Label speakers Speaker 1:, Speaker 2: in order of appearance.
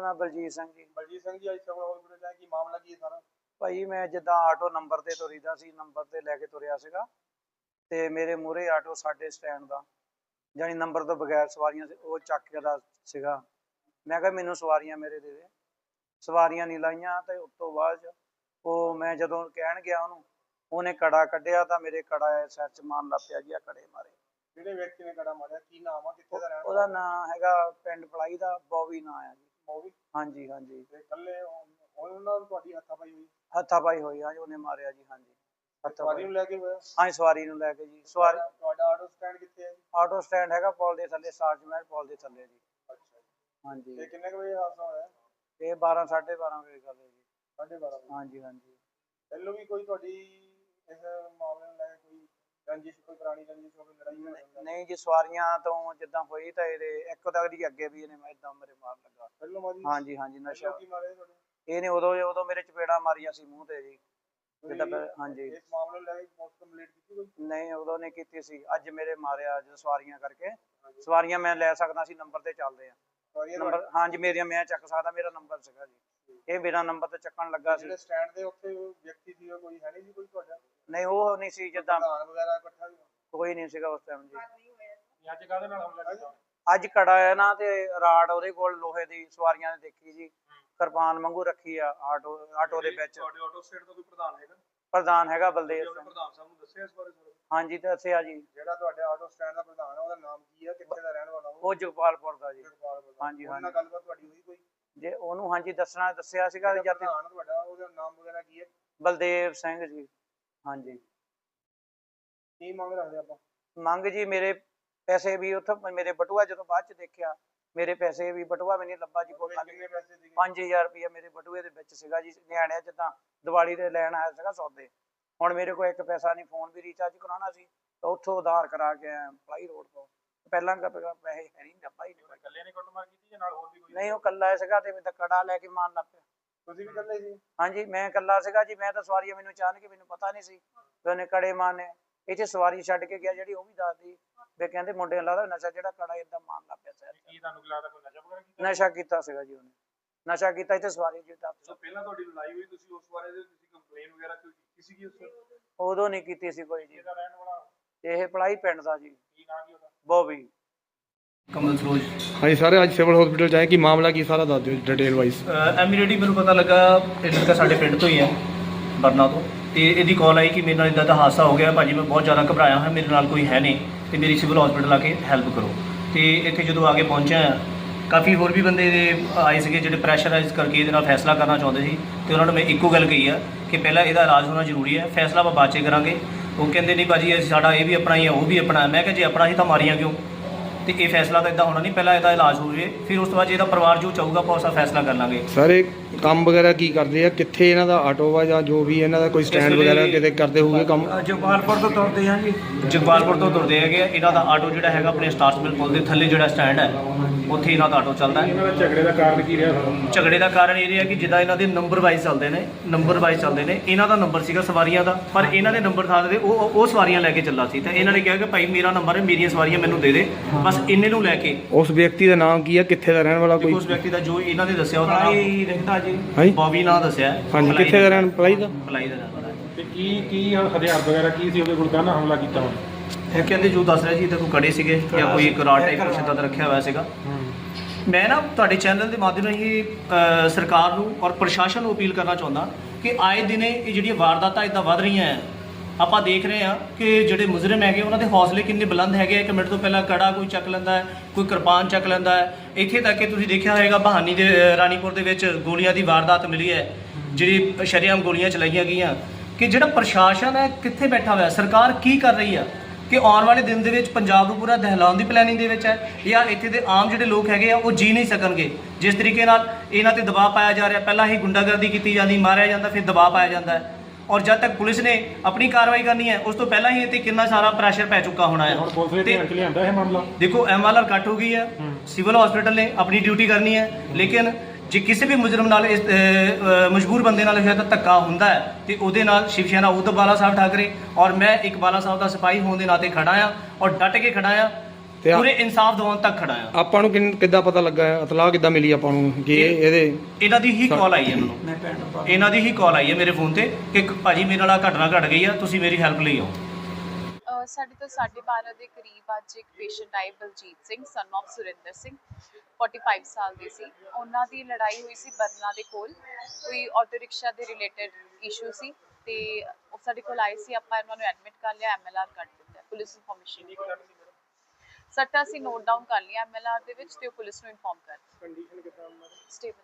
Speaker 1: ਨਾਮ ਬਲਜੀਤ ਸਿੰਘ ਜੀ।
Speaker 2: ਬਲਜੀਤ ਸਿੰਘ ਜੀ, ਅੱਜ ਸਿਵਲ ਹਸਪੀਟਲ ਚ ਆਏ, ਕੀ ਮਾਮਲਾ ਕੀ ਹੈ ਸਾਰਾ?
Speaker 1: ਭਾਈ ਮੈਂ ਜਿੱਦਾਂ ਆਟੋ ਨੰਬਰ ਤੇ ਤੁਰੀਦਾ ਸੀ, ਨੰਬਰ ਤੇ ਲੈ ਕੇ ਤੁਰਿਆ ਸੀਗਾ ਤੇ ਮੇਰੇ ਮੂਹਰੇ ਆਟੋ ਸਾਡੇ ਸਟੈਂਡ ਦਾ ਜਾਨੀ ਨੰਬਰ ਤੋਂ ਬਗੈਰ ਸਵਾਰੀਆਂ ਸੀ, ਉਹ ਚੱਕ ਕੇ ਦਾ ਸੀਗਾ। ਮੈਂ ਕਿਹਾ ਮੈਨੂੰ ਸਵਾਰੀਆਂ ਮੇਰੇ ਦੇ ਦੇ, ਸਵਾਰੀਆਂ ਨਹੀਂ ਲਾਈਆਂ। ਤੇ ਉਸ ਤੋਂ ਬਾਅਦ ਉਹ ਮੈਂ ਜਦੋਂ ਕਹਿਣ ਗਿਆ ਉਹਨੇ ਕੜਾ ਕੱਢਿਆ ਤਾਂ ਮੇਰੇ ਕੜਾ ਸਿਰ 'ਚ ਮਾਰਨ ਲੱਗ ਪਿਆ ਜੀ। ਆ ਕੜੇ ਮਾਰੇ।
Speaker 2: ਜਿਹੜੇ ਵਿਅਕਤੀ ਨੇ ਕੜਾ ਮਾਰਿਆ ਕੀ ਨਾਮ ਆ, ਕਿੱਥੇ ਦਾ ਰਹਿਣ ਵਾਲਾ?
Speaker 1: ਉਹਦਾ ਨਾਂ ਹੈਗਾ ਪਿੰਡ ਪਲਾਈ ਦਾ ਬੋਵੀ ਨਾਂ ਆ ਜੀ।
Speaker 2: ਬੋਵੀ?
Speaker 1: ਹਾਂਜੀ ਹਾਂਜੀ।
Speaker 2: ਤੇ ਇਕੱਲੇ ਉਹਨਾਂ ਨਾਲ ਤੁਹਾਡੀ ਹੱਥਾਪਾਈ ਹੋਈ?
Speaker 1: ਹੱਥਾਪਾਈ ਹੋਈ ਹਾਂਜੀ, ਉਹਨੇ ਮਾਰਿਆ ਜੀ। ਹਾਂਜੀ
Speaker 2: ਸਵਾਰੀ ਨੂੰ ਲੈ ਕੇ ਹੋਇਆ?
Speaker 1: ਹਾਂਜੀ ਸਵਾਰੀ ਨੂੰ ਲੈ ਕੇ ਜੀ। ਸਵਾਰੀ
Speaker 2: ਤੁਹਾਡਾ ਆਟੋ ਸਟੈਂਡ ਕਿੱਥੇ ਹੈ ਜੀ?
Speaker 1: ਆਟੋ ਸਟੈਂਡ ਹੈਗਾ ਪੁਲ ਦੇ ਥੱਲੇ, ਸਾਰਜ ਮਹਿਲ ਪੁਲ ਦੇ ਥੱਲੇ ਜੀ।
Speaker 2: ਅੱਛਾ ਜੀ।
Speaker 1: ਹਾਂਜੀ।
Speaker 2: ਤੇ ਕਿੰਨੇ ਕੁ ਵਜੇ ਹਾਦਸਾ ਹੋਇਆ?
Speaker 1: ਇਹ 12 12:30 ਵਜੇ ਗੱਲ ਹੈ ਜੀ।
Speaker 2: 12:30 ਵਜੇ?
Speaker 1: ਹਾਂਜੀ ਹਾਂਜੀ।
Speaker 2: ਪਹਿਲੋਂ ਵੀ ਕੋਈ ਤੁਹਾਡੀ ਇਸ ਮਾਮਲੇ ਨੂੰ ਲੈ ਕੇ ਕੋਈ ਰੰਜਿਸ਼, ਕੋਈ ਪੁਰਾਣੀ ਰੰਜਿਸ਼ ਹੋਵੇ, ਲੜਾਈ?
Speaker 1: ਨਹੀਂ ਜੀ, ਸਵਾਰੀਆਂ ਤੋਂ ਜਿੱਦਾਂ ਹੋਈ ਤਾਂ ਇਹਦੇ ਇੱਕ ਤਗੜੀ ਅੱਗੇ ਵੀ ਇਹਨੇ ਇਦਾਂ ਮੇਰੇ ਮਾਰ ਲੱਗਾ।
Speaker 2: ਪਹਿਲੋਂ ਮਾਰੀ?
Speaker 1: ਹਾਂਜੀ ਹਾਂਜੀ। ਨਸ਼ਾ
Speaker 2: ਕੀ ਮਾਰੇ ਤੁਹਾਡੇ?
Speaker 1: ਇਹਨੇ ਉਦੋਂ ਮੇਰੇ ਚਪੇੜਾ ਮਾਰੀਆਂ ਸੀ ਮੂੰਹ ਤੇ ਜੀ। ਹਾਂਜੀ।
Speaker 2: ਇਸ ਮਾਮਲੇ ਨੂੰ ਲੈ ਕੇ ਪੁਲਿਸ ਕੰਪਲੇਂਟ ਕੀਤੀ ਕੋਈ?
Speaker 1: ਨਹੀਂ ਉਦੋਂ ਨੇ ਕੀਤੀ ਸੀ, ਅੱਜ ਮੇਰੇ ਮਾਰਿਆ ਜਦੋਂ ਸਵਾਰੀਆਂ ਕਰਕੇ। ਸਵਾਰੀਆਂ ਮੈਂ ਲੈ ਸਕਦਾ ਸੀ, ਨੰਬਰ ਤੇ ਚੱਲਦੇ ਆ ਨੰਬਰ। ਹਾਂਜੀ ਮੇਰੀਆਂ ਮੈਂ ਚੱਕ ਸਕਦਾ, ਮੇਰਾ ਨੰਬਰ ਸੀਗਾ ਜੀ। ਇਹ ਬਿਨਾਂ ਨੰਬਰ ਤੇ ਚੱਕਣ ਲੱਗਾ ਸੀ।
Speaker 2: ਜਿਹੜੇ ਸਟੈਂਡ ਦੇ ਉੱਤੇ ਵਿਅਕਤੀ ਸੀ ਕੋਈ ਹੈ ਨਹੀਂ ਸੀ ਕੋਈ ਤੁਹਾਡਾ?
Speaker 1: ਨਹੀਂ ਉਹ ਨਹੀਂ ਸੀ, ਜਿੱਦਾਂ
Speaker 2: ਪ੍ਰਧਾਨ ਵਗੈਰਾ ਇਕੱਠਾ
Speaker 1: ਕੋਈ ਨਹੀਂ ਸੀਗਾ ਉਸ ਟਾਈਮ ਜੀ।
Speaker 2: ਅੱਜ ਕਾਹਦੇ ਨਾਲ ਹਮਲਾ ਕੀਤਾ?
Speaker 1: ਅੱਜ ਕੜਾ ਹੈ ਨਾ ਤੇ ਰਾੜ ਉਹਦੇ ਕੋਲ ਲੋਹੇ ਦੀ, ਸਵਾਰੀਆਂ ਨੇ ਦੇਖੀ ਜੀ, ਕਿਰਪਾਨ ਵਾਂਗੂ ਰੱਖੀ ਆ ਆਟੋ ਦੇ ਵਿੱਚ।
Speaker 2: ਤੁਹਾਡੇ ਆਟੋ ਸਟੈਂਡ ਦਾ ਕੋਈ ਪ੍ਰਧਾਨ ਹੈਗਾ?
Speaker 1: ਪ੍ਰਧਾਨ ਹੈਗਾ ਬਲਦੇਵ ਸਿੰਘ।
Speaker 2: ਪ੍ਰਧਾਨ ਸਾਹਿਬ ਨੂੰ ਦੱਸਿਆ ਇਸ ਬਾਰੇ?
Speaker 1: ਹਾਂਜੀ ਦੱਸਿਆ ਜੀ।
Speaker 2: ਜਿਹੜਾ ਤੁਹਾਡੇ ਆਟੋ ਸਟੈਂਡ ਦਾ ਪ੍ਰਧਾਨ ਆ, ਉਹਦਾ ਨਾਮ ਕੀ ਆ, ਕਿੱਥੇ ਦਾ ਰਹਿਣ ਵਾਲਾ?
Speaker 1: ਉਹ ਜਗਪਾਲਪੁਰ ਦਾ ਜੀ।
Speaker 2: ਹਾਂਜੀ ਹਾਂਜੀ। ਗੱਲਬਾਤ ਤੁਹਾਡੀ ਹੋਈ ਕੋਈ?
Speaker 1: ਜੇ ਉਹਨੂੰ ਹਾਂਜੀ ਦੱਸਿਆ ਸੀਗਾ।
Speaker 2: ਪ੍ਰਧਾਨ ਤੁਹਾਡਾ, ਉਹਦਾ ਨਾਮ ਵਗੈਰਾ ਕੀ ਹੈ?
Speaker 1: ਬਲਦੇਵ ਸਿੰਘ ਜੀ। ਹਾਂਜੀ।
Speaker 2: ਕੀ ਮੰਗ ਰੱਖਦੇ ਆਪਾਂ?
Speaker 1: ਮੰਗ ਜੀ ਮੇਰੇ ਪੈਸੇ ਵੀ ਉੱਥੋਂ, ਮੇਰੇ ਬਟੂਆ ਜਦੋਂ ਬਾਅਦ ਚ ਦੇਖਿਆ ਮੇਰੇ ਪੈਸੇ ਵੀ, ਬਟੂਆ ਵੀ ਨਹੀਂ ਲੱਭਾ ਜੀ। ਕੋਈ
Speaker 2: ਕਿੰਨੇ ਪੈਸੇ ਸੀਗੇ?
Speaker 1: 5000 ਰੁਪਇਆ ਮੇਰੇ ਬਟੂਏ ਦੇ ਵਿੱਚ ਸੀਗਾ ਜੀ। ਨਿਆਣਿਆਂ ਜਿੱਦਾਂ ਦੀਵਾਲੀ ਦੇ ਲੈਣ ਆਇਆ ਸੀਗਾ ਸੌਦੇ। ਹੁਣ ਮੇਰੇ ਕੋਲ ਇੱਕ ਪੈਸਾ ਨਹੀਂ, ਫੋਨ ਵੀ ਰੀਚਾਰਜ ਕਰਾਉਣਾ ਸੀ ਤਾਂ ਉੱਥੋਂ ਉਧਾਰ ਕਰਾ ਕੇ ਆਇਆ ਪਲਾਈ ਰੋਡ ਤੋਂ। ਪਹਿਲਾਂ ਪੈਸੇ ਹੈ ਨਹੀਂ, ਡੱਬਾ ਹੀ ਨਹੀਂ।
Speaker 2: ਇਕੱਲੇ ਨੇ ਕੁੱਟਮਾਰ ਕੀਤੀ ਜਾਂ ਨਾਲ ਹੋਰ ਵੀ ਕੋਈ?
Speaker 1: ਨਹੀਂ ਉਹ ਇਕੱਲਾ ਸੀਗਾ ਤੇ ਮੈਂ ਕੜਾ ਲੈ ਕੇ ਮਾਰਨ ਲੱਗ ਪਿਆ।
Speaker 2: ਤੁਸੀਂ ਵੀ ਇਕੱਲੇ ਸੀ?
Speaker 1: ਹਾਂਜੀ ਮੈਂ ਇਕੱਲਾ ਸੀਗਾ ਜੀ। ਮੈਂ ਤਾਂ ਸਵਾਰੀਆਂ ਮੈਨੂੰ ਅਚਾਨਕ ਮੈਨੂੰ ਪਤਾ ਨਹੀਂ ਸੀ ਵੀ ਉਹਨੇ ਕੜੇ ਮਾਰਨੇ। ਇੱਥੇ ਸਵਾਰੀ ਛੱਡ ਕੇ ਗਿਆ ਜਿਹੜੀ, ਉਹ ਵੀ ਦੱਸਦੀ ਵੀ ਕਹਿੰਦੇ ਮੁੰਡੇ ਨੂੰ ਲੱਗਦਾ ਨਸ਼ਾ, ਜਿਹੜਾ ਕੜਾ ਏਦਾਂ ਮਾਰਨ ਲੱਗ ਪਿਆ ਸਿਰ।
Speaker 2: ਕੀ ਤੁਹਾਨੂੰ ਲੱਗਦਾ ਕੋਈ ਨਸ਼ਾ ਵਗੈਰਾ ਕੀਤਾ?
Speaker 1: ਨਸ਼ਾ ਕੀਤਾ ਸੀਗਾ ਜੀ ਉਹਨੇ, ਨਸ਼ਾ ਕੀਤਾ। ਇੱਥੇ ਸਵਾਰੀ ਜੀ
Speaker 2: ਪਹਿਲਾਂ ਤੁਹਾਡੀ ਲੜਾਈ ਹੋਈ, ਤੁਸੀਂ ਉਸ ਬਾਰੇ ਤੁਸੀਂ ਕੰਪਲੇਨ ਵਗੈਰਾ ਕੀਤੀ ਸੀਗੀ ਉਸ?
Speaker 1: ਉਦੋਂ ਨਹੀਂ ਕੀਤੀ ਸੀ ਕੋਈ ਜੀ।
Speaker 2: ਇਹਦਾ ਰਹਿਣ ਵਾਲਾ?
Speaker 1: ਇਹ ਪਲਾਈ ਪਿੰਡ ਦਾ ਜੀ।
Speaker 2: ਕੀ ਨਾਮ ਕੀ ਉਹਦਾ?
Speaker 1: ਬੋਬੀ।
Speaker 3: ਕਮਲ ਸਰੋਜ।
Speaker 4: ਹਾਂਜੀ ਸਾਰੇ ਅੱਜ ਸਿਵਲ ਹਸਪੀਟਲ ਜਾਏ, ਕੀ ਮਾਮਲਾ ਕੀ ਸਾਰਾ ਦੱਸ ਦਿਓ ਡਿਟੇਲ ਵਾਈਜ਼।
Speaker 3: ਇਮੀਡੀਏਟਲੀ ਮੈਨੂੰ ਪਤਾ ਲੱਗਾ, ਇਹ ਲੜਕਾ ਸਾਡੇ ਪਿੰਡ ਤੋਂ ਹੀ ਹੈ, ਬਰਨਾ ਤੋਂ। ਤੇ ਇਹਦੀ ਕਾਲ ਆਈ ਕਿ ਮੇਰੇ ਨਾਲ ਇਦਾਂ ਦਾ ਹਾਦਸਾ ਹੋ ਗਿਆ ਭਾਜੀ, ਮੈਂ ਬਹੁਤ ਜ਼ਿਆਦਾ ਘਬਰਾਇਆ ਹਾਂ, ਮੇਰੇ ਨਾਲ ਕੋਈ ਹੈ ਨਹੀਂ ਤੇ ਮੇਰੀ ਸਿਵਲ ਹਸਪੀਟਲ ਆ ਕੇ ਹੈਲਪ ਕਰੋ। ਤੇ ਇੱਥੇ ਜਦੋਂ ਆ ਕੇ ਪਹੁੰਚਿਆ, ਕਾਫੀ ਹੋਰ ਵੀ ਬੰਦੇ ਆਏ ਸੀਗੇ ਜਿਹੜੇ ਪ੍ਰੈਸ਼ਰਾਈਜ਼ ਕਰਕੇ ਇਹਦੇ ਨਾਲ ਫੈਸਲਾ ਕਰਨਾ ਚਾਹੁੰਦੇ ਸੀ। ਤੇ ਉਹਨਾਂ ਨੂੰ ਮੈਂ ਇੱਕੋ ਗੱਲ ਕਹੀ ਆ ਕਿ ਪਹਿਲਾਂ ਇਹਦਾ ਇਲਾਜ ਹੋਣਾ ਜ਼ਰੂਰੀ ਹੈ, ਫੈਸਲਾ ਆਪਾਂ ਬਾਅਦ 'ਚ ਕਰਾਂਗੇ। ਉਹ ਕਹਿੰਦੇ ਨਹੀਂ ਭਾਜੀ ਸਾਡਾ ਇਹ ਵੀ ਆਪਣਾ ਹੀ ਹੈ, ਉਹ ਵੀ ਆਪਣਾ। ਮੈਂ ਕਿਹਾ ਜੇ ਆਪਣਾ ਹੀ ਤਾਂ ਮਾਰੀਆਂ ਕਿਉਂ? ਤੇ ਇਹ ਫੈਸਲਾ ਤਾਂ ਇਦਾਂ ਹੋਣਾ ਨਹੀਂ, ਪਹਿਲਾਂ ਇਹਦਾ ਇਲਾਜ ਹੋ ਜਾਵੇ, ਫਿਰ ਉਸ ਤੋਂ ਬਾਅਦ ਇਹਦਾ ਪਰਿਵਾਰ ਜੋ ਚਾਹੂਗਾ ਆਪਾਂ ਉਸਦਾ ਫੈਸਲਾ ਕਰ ਲਾਂਗੇ।
Speaker 4: ਸਰ ਇਹ ਕੰਮ ਵਗੈਰਾ ਕੀ ਕਰਦੇ ਆ, ਕਿੱਥੇ ਇਹਨਾਂ ਦਾ ਆਟੋ ਵਾ ਜਾਂ ਜੋ ਵੀ ਇਹਨਾਂ ਦਾ ਕੋਈ ਸਟੈਂਡ ਵਗੈਰਾ ਕਿਤੇ ਕਰਦੇ ਹੋਊਗੇ ਕੰਮ?
Speaker 3: ਜਗਪਾਲਪੁਰ ਤੋਂ ਤੁਰਦੇ ਹਾਂ ਜੀ, ਜਗਪਾਲਪੁਰ ਤੋਂ ਤੁਰਦੇ ਹੈਗੇ ਆ। ਇਹਨਾਂ ਦਾ ਆਟੋ ਜਿਹੜਾ ਹੈਗਾ ਆਪਣੇ ਸਟਾਰਸ ਮਿਲ ਪੁਲ ਦੇ ਥੱਲੇ ਜਿਹੜਾ ਸਟੈਂਡ ਹੈ, ਉੱਥੇ ਇਹਨਾਂ ਦਾ ਆਟੋ ਚੱਲਦਾ ਹੈ।
Speaker 2: ਇਹਨਾਂ ਦਾ ਝਗੜੇ ਦਾ ਕਾਰਨ ਕੀ ਰਿਹਾ?
Speaker 3: ਝਗੜੇ ਦਾ ਕਾਰਨ ਇਹ ਰਿਹਾ ਕਿ ਜਿੱਦਾਂ ਇਹਨਾਂ ਦੇ ਨੰਬਰ ਵਾਈਜ਼ ਚੱਲਦੇ ਨੇ, ਇਹਨਾਂ ਦਾ ਨੰਬਰ ਸੀਗਾ ਸਵਾਰੀਆਂ ਦਾ, ਪਰ ਇਹਨਾਂ ਦੇ ਨੰਬਰ ਥਾਂ ਦੇ ਉਹ ਸਵਾਰੀਆਂ ਲੈ ਕੇ ਚੱਲਾ ਸੀ। ਤਾਂ ਇਹਨਾਂ ਨੇ ਕਿਹਾ ਕਿ ਭਾਈ ਮੇਰਾ ਨੰਬਰ ਹੈ, ਮੇਰੀਆਂ ਸਵਾਰੀਆਂ ਮੈਨੂੰ ਦੇ ਦੇ, ਬਸ ਇੰਨੇ ਨੂੰ ਲੈ ਕੇ।
Speaker 4: ਉਸ ਵਿਅਕਤੀ ਦਾ ਨਾਮ ਕੀ ਆ, ਕਿੱਥੇ ਦਾ ਰਹਿਣ ਵਾਲਾ? ਕੋਈ
Speaker 3: ਉਸ ਵਿਅਕਤੀ ਦਾ ਜੋ ਇਹਨਾਂ ਨੇ ਦੱਸਿਆ ਉਹਦਾ ਨਾਮ ਰਹਿੰਦਾ ਜੀ,
Speaker 4: ਹਾਂਜੀ
Speaker 3: ਬੌਬੀ ਨਾਂ ਦੱਸਿਆ।
Speaker 4: ਹਾਂਜੀ ਕਿੱਥੇ ਦਾ ਰਹਿਣ? ਪਲਾਈ ਦਾ।
Speaker 3: ਪਲਾਈ ਦਾ ਰਹਿਣ ਵਾਲਾ ਹੈ।
Speaker 2: ਤੇ ਕੀ ਹਥਿਆਰ ਵਗੈਰਾ ਕੀ ਸੀ ਉਹਦੇ ਕੋਲ, ਕਾਹਨਾਂ ਹਮਲਾ ਕੀਤਾ ਉਹਨੇ?
Speaker 3: ਇਹ ਕਹਿੰਦੇ ਜੋ ਦੱਸ ਰਿਹਾ ਜੀ ਤੇ ਕੋਈ ਕੜੇ ਸੀਗੇ ਜਾਂ ਕੋਈ ਇੱਕ ਰਾਡ ਟਾਈਪ ਕੁਛ ਏਦਾਂ ਦਾ ਰੱਖਿਆ ਹੋਇਆ ਸੀਗਾ। ਮੈਂ ਨਾ ਤੁਹਾਡੇ ਚੈਨਲ ਦੇ ਮਾਧਿਅਮ ਰਾਹੀਂ ਸਰਕਾਰ ਨੂੰ ਔਰ ਪ੍ਰਸ਼ਾਸਨ ਨੂੰ ਅਪੀਲ ਕਰਨਾ ਚਾਹੁੰਦਾ ਕਿ ਆਏ ਦਿਨੇ ਇਹ ਜਿਹੜੀਆਂ ਵਾਰਦਾਤਾਂ ਇੱਦਾਂ ਵੱਧ ਰਹੀਆਂ ਹੈ, ਆਪਾਂ ਦੇਖ ਰਹੇ ਹਾਂ ਕਿ ਜਿਹੜੇ ਮੁਜਰਮ ਹੈਗੇ ਉਹਨਾਂ ਦੇ ਹੌਸਲੇ ਕਿੰਨੇ ਬੁਲੰਦ ਹੈਗੇ। 1 ਮਿੰਟ ਤੋਂ ਪਹਿਲਾਂ ਕੜਾ ਕੋਈ ਚੱਕ ਲੈਂਦਾ ਹੈ, ਕੋਈ ਕਿਰਪਾਨ ਚੱਕ ਲੈਂਦਾ ਹੈ। ਇੱਥੇ ਤੱਕ ਕਿ ਤੁਸੀਂ ਦੇਖਿਆ ਹੋਵੇਗਾ ਬਹਾਨੀ ਦੇ ਰਾਣੀਪੁਰ ਦੇ ਵਿੱਚ ਗੋਲੀਆਂ ਦੀ ਵਾਰਦਾਤ ਮਿਲੀ ਹੈ, ਜਿਹੜੀ ਸ਼ਰੇਆਮ ਗੋਲੀਆਂ ਚਲਾਈਆਂ ਗਈਆਂ। ਕਿ ਜਿਹੜਾ ਪ੍ਰਸ਼ਾਸਨ ਹੈ ਕਿੱਥੇ ਬੈਠਾ ਹੋਇਆ, ਸਰਕਾਰ ਕੀ ਕਰ ਰਹੀ ਆ? ਕਿ ਆਉਣ ਵਾਲੇ ਦਿਨ ਦੇ ਵਿੱਚ ਪੰਜਾਬ ਨੂੰ ਪੂਰਾ ਦਹਿਲਾਉਣ ਦੀ ਪਲੈਨਿੰਗ ਦੇ ਵਿੱਚ ਹੈ, ਜਾਂ ਇੱਥੇ ਦੇ ਆਮ ਜਿਹੜੇ ਲੋਕ ਹੈਗੇ ਆ ਉਹ ਜੀ ਨਹੀਂ ਸਕਣਗੇ ਜਿਸ ਤਰੀਕੇ ਨਾਲ ਇਹਨਾਂ ਤੇ ਦਬਾਅ ਪਾਇਆ ਜਾ ਰਿਹਾ। ਪਹਿਲਾਂ ਹੀ ਗੁੰਡਾਗਰਦੀ ਕੀਤੀ ਜਾਂਦੀ, ਮਾਰਿਆ ਜਾਂਦਾ, ਫਿਰ ਦਬਾਅ ਪਾਇਆ ਜਾਂਦਾ ਹੈ। ਔਰ ਜਦ ਤੱਕ ਪੁਲਿਸ ਨੇ ਆਪਣੀ ਕਾਰਵਾਈ ਕਰਨੀ ਹੈ ਉਸ ਤੋਂ ਪਹਿਲਾਂ ਹੀ ਇੱਥੇ ਕਿੰਨਾ ਸਾਰਾ ਪ੍ਰੈਸ਼ਰ ਪੈ ਚੁੱਕਾ ਹੋਣਾ ਹੈ।
Speaker 2: ਲਿਆਂਦਾ ਇਹ ਮਾਮਲਾ,
Speaker 3: ਦੇਖੋ MLR ਕੱਟ ਹੋ ਗਈ ਹੈ, ਸਿਵਲ ਹਸਪੀਟਲ ਨੇ ਆਪਣੀ ਡਿਊਟੀ ਕਰਨੀ ਹੈ, ਲੇਕਿਨ ਜੇ ਕਿਸੇ ਵੀ ਮੁਜਰਮ ਨਾਲ ਇਸ ਮਜਬੂਰ ਬੰਦੇ ਨਾਲ ਸ਼ਾਇਦ ਧੱਕਾ ਹੁੰਦਾ ਹੈ ਤੇ ਉਹਦੇ ਨਾਲ ਸ਼ਿਵ ਸੈਨਾ ਉद्धਵ ਬਾਲਾ ਸਾਹਿਬ ਠਾਕਰੇ ਔਰ ਮੈਂ ਇੱਕ ਬਾਲਾ ਸਾਹਿਬ ਦਾ ਸਿਪਾਹੀ ਹੋਣ ਦੇ ਨਾਤੇ ਖੜਾ ਆ ਔਰ ਡਟ ਕੇ ਖੜਾ ਆ
Speaker 4: ਤੇ
Speaker 3: ਪੂਰੇ ਇਨਸਾਫ ਦਿਵਾਉਣ ਤੱਕ ਖੜਾ ਆ।
Speaker 4: ਆਪਾਂ ਨੂੰ ਕਿੱਦਾਂ ਪਤਾ ਲੱਗਾ ਹੈ, ਇਤਲਾਹ ਕਿੱਦਾਂ ਮਿਲੀ ਆਪਾਂ ਨੂੰ ਕਿ ਇਹਦੇ
Speaker 3: ਇਹਨਾਂ ਦੀ ਹੀ ਕਾਲ ਆਈ ਹੈ ਮੈਨੂੰ,
Speaker 1: ਮੈਂ ਪਿੰਡ ਪਾ
Speaker 3: ਇਹਨਾਂ ਦੀ ਹੀ ਕਾਲ ਆਈ ਹੈ ਮੇਰੇ ਫੋਨ ਤੇ ਕਿ ਭਾਜੀ ਮੇਰੇ ਨਾਲ ਘਟਨਾ ਘਟ ਗਈ ਆ, ਤੁਸੀਂ ਮੇਰੀ ਹੈਲਪ ਲਈ ਆਓ।
Speaker 5: ਸਾਡੇ ਤੋਂ 12:30 ਦੇ ਕਰੀਬ ਅੱਜ ਇੱਕ ਪੇਸ਼ੈਂਟ ਆਏ ਬਲਜੀਤ ਸਿੰਘ ਸਨ ਆਫ ਸੁਰਿੰਦਰ ਸਿੰਘ 45 ਸਾਲ ਦੇ ਸੀ। ਉਹਨਾਂ ਦੀ ਲੜਾਈ ਹੋਈ ਸੀ ਬਰਨਾ ਦੇ ਕੋਲ, ਕੋਈ ਆਟੋ ਰਿਕਸ਼ਾ ਦੇ ਰਿਲੇਟਡ ਇਸ਼ੂ ਸੀ ਤੇ ਉਹ ਸਾਡੇ ਕੋਲ ਆਏ ਸੀ। ਆਪਾਂ ਇਹਨਾਂ ਨੂੰ ਐਡਮਿਟ ਕਰ ਲਿਆ, MLR ਕੱਢ ਦਿੱਤਾ, ਪੁਲਿਸ ਇਨਫੋਰਮੇਸ਼ਨ ਸੱਟਾਂ ਅਸੀਂ ਨੋਟ ਡਾਊਨ ਕਰ ਲਿਆ MLR ਦੇ ਵਿੱਚ ਤੇ ਉਹ ਪੁਲਿਸ ਨੂੰ ਇਨਫੋਰਮ ਕਰ ਦਿੱਤਾ।
Speaker 2: ਕੰਡੀਸ਼ਨ ਕਿਦਾਂ ਉਹਨਾਂ ਦੀ?
Speaker 5: ਸਟੇਬਲ।